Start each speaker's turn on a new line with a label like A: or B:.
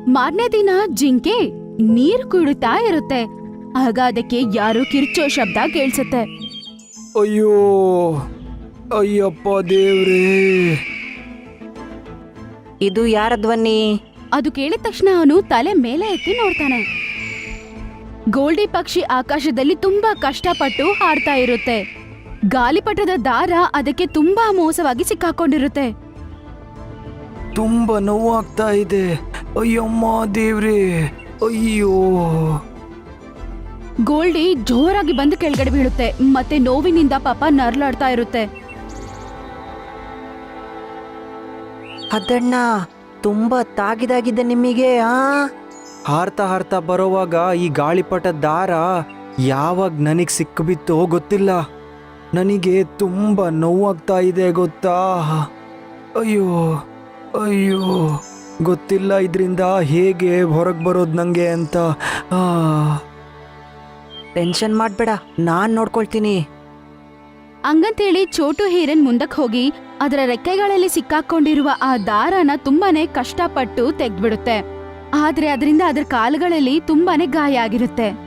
A: ಮಾರನೇ ದಿನ ಜಿಂಕೆ ನೀರ್ ಕುಡಿತಾ ಇರುತ್ತೆ. ಆಗ ಅದಕ್ಕೆ ಯಾರೋ ಕಿರ್ಚೋ ಶಬ್ದ ಕೇಳಿಸುತ್ತೆ.
B: ಅಯ್ಯೋ ಅಯ್ಯಪ್ಪ ದೇವ್ರೇ!
C: ಇದು ಯಾರ ಧ್ವನಿ?
A: ಅದು ಕೇಳಿದ ತಕ್ಷಣ ಅವನು ತಲೆ ಮೇಲೆ ಎತ್ತಿ ನೋಡ್ತಾನೆ. ಗೋಲ್ಡಿ ಪಕ್ಷಿ ಆಕಾಶದಲ್ಲಿ ತುಂಬಾ ಕಷ್ಟಪಟ್ಟು ಹಾಡ್ತಾ ಇರುತ್ತೆ. ಗಾಲಿಪಟದ ದಾರ ಅದಕ್ಕೆ ತುಂಬಾ ಮೋಸವಾಗಿ ಸಿಕ್ಕಾಕೊಂಡಿರುತ್ತೆ.
B: ತುಂಬಾ ನೋವಾಗ್ತಾ ಇದೆ. ಅಯ್ಯಮ್ಮ ದೇವ್ರೇ! ಅಯ್ಯೋ!
A: ಗೋಲ್ಡಿ ಜೋರಾಗಿ ಬಂದು ಕೆಳಗಡೆ ಬೀಳುತ್ತೆ. ಮತ್ತೆ ನೋವಿನಿಂದ ಪಾಪ ನರ್ಲಾಡ್ತಾ ಇರುತ್ತೆ.
C: ಅದಣ್ಣ, ತುಂಬಾ ತಾಗಿದಾಗಿದೆ ನಿಮಗೆ.
B: ಹಾರ್ತಾ ಹಾರ್ತಾ ಬರೋವಾಗ ಈ ಗಾಳಿಪಟ ದಾರ ಯಾವಾಗ ನನಗೆ ಸಿಕ್ಕಿಬಿತ್ತೋ ಗೊತ್ತಿಲ್ಲ. ನನಗೆ ತುಂಬಾ ನೋವಾಗ್ತಾ ಇದೆ ಗೊತ್ತಾ? ಅಯ್ಯೋ ಅಯ್ಯೋ! ಗೊತ್ತಿಲ್ಲ ಇದರಿಂದ ಹೇಗೆ ಹೊರಗೆ ಬರೋದು ನಂಗೆ ಅಂತ.
C: ಟೆನ್ಷನ್ ಮಾಡ್ಬೇಡ, ನಾನ್ ನೋಡ್ಕೊಳ್ತೀನಿ.
A: ಹಂಗಂತೇಳಿ ಚೋಟು ಹೀರನ್ ಮುಂದಕ್ಕೆ ಹೋಗಿ ಅದರ ರೆಕ್ಕೆಗಳಲ್ಲಿ ಸಿಕ್ಕಾಕೊಂಡಿರುವ ಆ ದಾರನ ತುಂಬಾನೇ ಕಷ್ಟಪಟ್ಟು ತೆಗ್ದ್ಬಿಡುತ್ತೆ. ಆದ್ರೆ ಅದರಿಂದ ಅದರ ಕಾಲುಗಳಲ್ಲಿ ತುಂಬಾನೇ ಗಾಯ ಆಗಿರುತ್ತೆ.